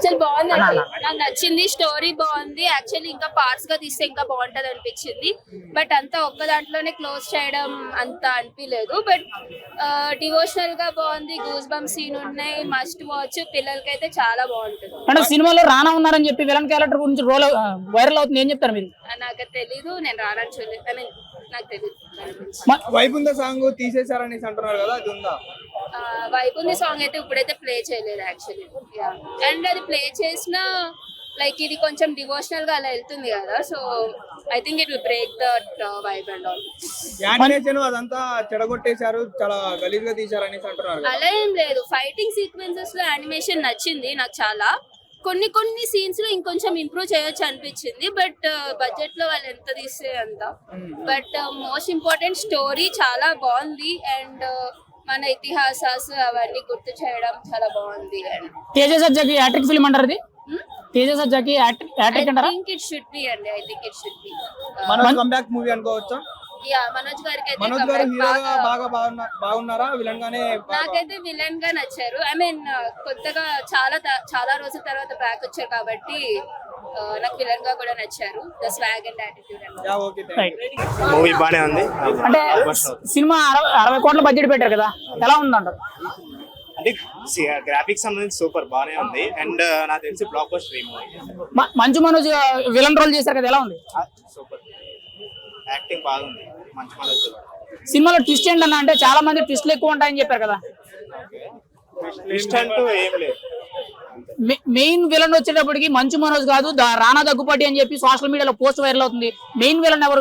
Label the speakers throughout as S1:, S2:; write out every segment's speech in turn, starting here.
S1: Actual బాగుంది, నాకు నచ్చింది. స్టోరీ బాగుంది. యాక్చువల్లీ ఇంకా పార్ట్స్ గా తీస్తే ఇంకా బాగుంటది అనిపించింది. బట్ అంతా ఒక్క దాంట్లోనే క్లోజ్ చేయడం అంత అనిపించలేదు. బట్ డివోషనల్ గా బాగుంది. గూస్ బంప్ సీన్ ఉన్నాయి, మస్ట్ వాచ్. పిల్లలకైతే చాలా బాగుంటుంది.
S2: అంటే సినిమాలో రానా ఉన్నారని చెప్పి విలన్ క్యారెక్టర్ గురించి రోల్ వైరల్ అవుతుంది, ఏం చెప్తారు మీరు?
S1: నాకు తెలీదు, నేను రానని చూడలేదు. ఐ మీన్ నాకు తెలీదు.
S3: వైపుంద సాంగ్ తీసేశారని అంటున్నారు కదా, అది ఉందా?
S1: వైపుంది సాంగ్ అయితే ఇప్పుడైతే ప్లే చేయలేదు యాక్చువల్లీ. అండ్ అది ప్లే చేసిన లైక్ ఇది కొంచెం డివోషనల్ గా అలా వెళ్తుంది కదా, so I think it will break that vibe and all.
S3: Animation అదంతా చెడగొట్టేశారు, చాలా గలీజ్ గా తీశారని అంటున్నారు కదా.
S1: అలా ఏం లేదు. ఫైటింగ్ సీక్వెన్సెస్ లో యానిమేషన్ నచ్చింది నాకు చాలా. కొన్ని సీన్స్ లో ఇంకొంచెం ఇంప్రూవ్ చేయొచ్చు అనిపించింది. బట్ బడ్జెట్ లో వాళ్ళు ఎంత తీస్తే అంత. బట్ మోస్ట్ ఇంపార్టెంట్ స్టోరీ చాలా బాగుంది. అండ్ మన ఇతిహాసాలు అవన్నీ గుర్తు చేయడం చాలా బాగుంది. అండ్
S2: తేజ సజ్జాకి హ్యాట్రిక్ ఫిల్మ్ అంటారు ఇది. తేజ సజ్జాకి హ్యాట్రిక్ అంటారా?
S1: I think it should be అండి. I think it should be.
S3: Manoj comeback movie అనుకోవచ్చా?
S1: యా, మనోజ్ గారికి అయితే
S3: మనోజ్ గారు హీరోగా బాగున్నారా, విలన్ గానే?
S1: నాకైతే విలన్ గా నచ్చారు. ఐ మీన్ కొత్తగా చాలా రోజుల తర్వాత బ్యాక్ వచ్చారు కాబట్టి నాకు విలన్ గా కూడా నచ్చారు. The swag and attitude.
S4: Movie బానే ఉంది.
S2: అంటే సినిమా 60 కోట్ల బడ్జెట్ పెట్టారు కదా, ఎలా ఉందంటారు?
S4: అంటే గ్రాఫిక్స్ సంబంధించి సూపర్ బానే ఉంది. అండ్ నాకు తెలిసి బ్లాక్ బస్టర్ మూవీ.
S2: మంచు మనోజ్ విలన్ రోల్ చేశారు కదా, ఎలా ఉంది?
S4: సూపర్, యాక్టింగ్ బాగుంది మంచి మనోజ్.
S2: సినిమాలో ట్విస్ట్ ఏంటన్నా అంటే చాలా మంది ట్విస్ట్లు ఎక్కువ ఉంటాయని చెప్పారు కదా.
S4: ట్విస్ట్ అంటూ ఏం లేదు.
S2: మెయిన్ విలన్ వచ్చేటప్పటికి మంచు మనోజ్ కాదు, రానా దగ్గుపాటి అని చెప్పి సోషల్ మీడియాలో పోస్ట్ వైరల్ అవుతుంది. మెయిన్ విలన్ ఎవరు?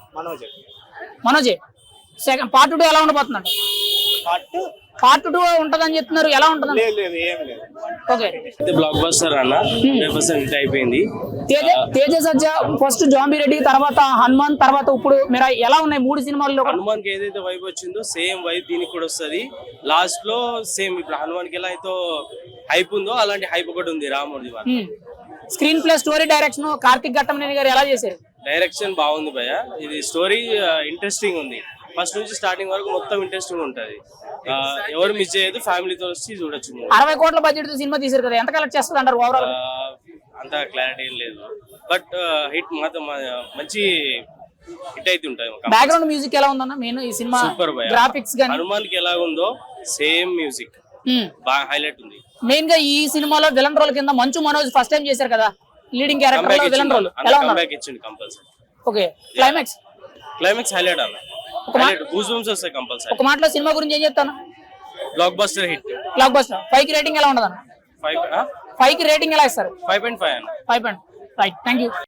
S2: మనోజే. సెకండ్ పార్ట్ 2 ఎలా ఉండబోతున్నాడు? పార్ట్ 2 ఉంటదని చెప్తున్నారు, ఎలా ఉంటుంది? ఓకే,
S5: బ్లాక్ బస్టర్ అన్న 100% హిట్ అయిపోయింది.
S2: తేజ సజ్జా ఫస్ట్ జాంబీ రెడ్డి, తర్వాత హనుమాన్, తర్వాత ఇప్పుడు మీరు ఎలా ఉన్నాయి 3 సినిమాల్లో?
S5: హనుమాన్ కి ఏదైతే వైబ్ వచ్చిందో సేమ్ వైబ్ దీనికి కూడా వస్తుంది. లాస్ట్ లో సేమ్ ఇప్పుడు హనుమాన్ కి ఎలా అయితే హైప్ ఉందో అలాంటి హైప్ ఒకటి ఉంది రాముడి.
S2: Screenplay, story, direction Karthik Ghattamaneni గారు ఎలా చేశారు?
S5: డైరెక్షన్ బాగుంది భయ్య. ఇది స్టోరీ ఇంట్రెస్టింగ్ ఉంది. ఫస్ట్ నుంచి స్టార్టింగ్ వరకు మొత్తం ఇంట్రెస్టింగ్ ఉంటది. ఎవరు మిస్ చేయదు, ఫ్యామిలీతో వచ్చి చూడొచ్చు.
S2: 60 కోట్ల బడ్జెట్ తో సినిమా తీసారు కదా, ఎంత కలెక్ట్ చేస్తుంది అంటారు ఓవరాల్?
S5: అంత క్లారిటీ ఏం లేదు. బట్ హిట్ మాత్రం మంచి హిట్ అయితే ఉంటాయి.
S2: బ్యాక్గ్రౌండ్ మ్యూజిక్ ఎలా ఉందన్న? మెయిన్ ఈ సినిమా
S5: సూపర్ భయ్య.
S2: గ్రాఫిక్స్ గాని
S5: హనుమాన్ కి ఎలా ఉందో సేమ్ మ్యూజిక్ బాగా హైలైట్ ఉంది.
S2: మెయిన్ గా ఈ సినిమాలో విలన్ రోల్ కింద మంచు మనోజ్ ఫస్ట్ టైం చేశారు కదా, లీడింగ్ క్యారెక్టర్ లో విలన్ రోల్ ఎలా ఉంది?
S5: కంబ్యాక్ ఇచ్చింది కంపల్సరీ.
S2: ఓకే, క్లైమాక్స్
S5: హైలైట్ అన్న. హైలైట్ గూస్ బంప్స్ వస్తాయి కంపల్సరీ.
S2: ఒక మాటలో సినిమా గురించి ఏం చెప్తాను?
S5: Block buster hit.
S2: 5 కి రేటింగ్ ఎలా ఉండదన్న? 5 కి రేటింగ్ ఎలా ఇస్తారు?
S5: 5.5 అన్న.
S2: 5. Right, thank you.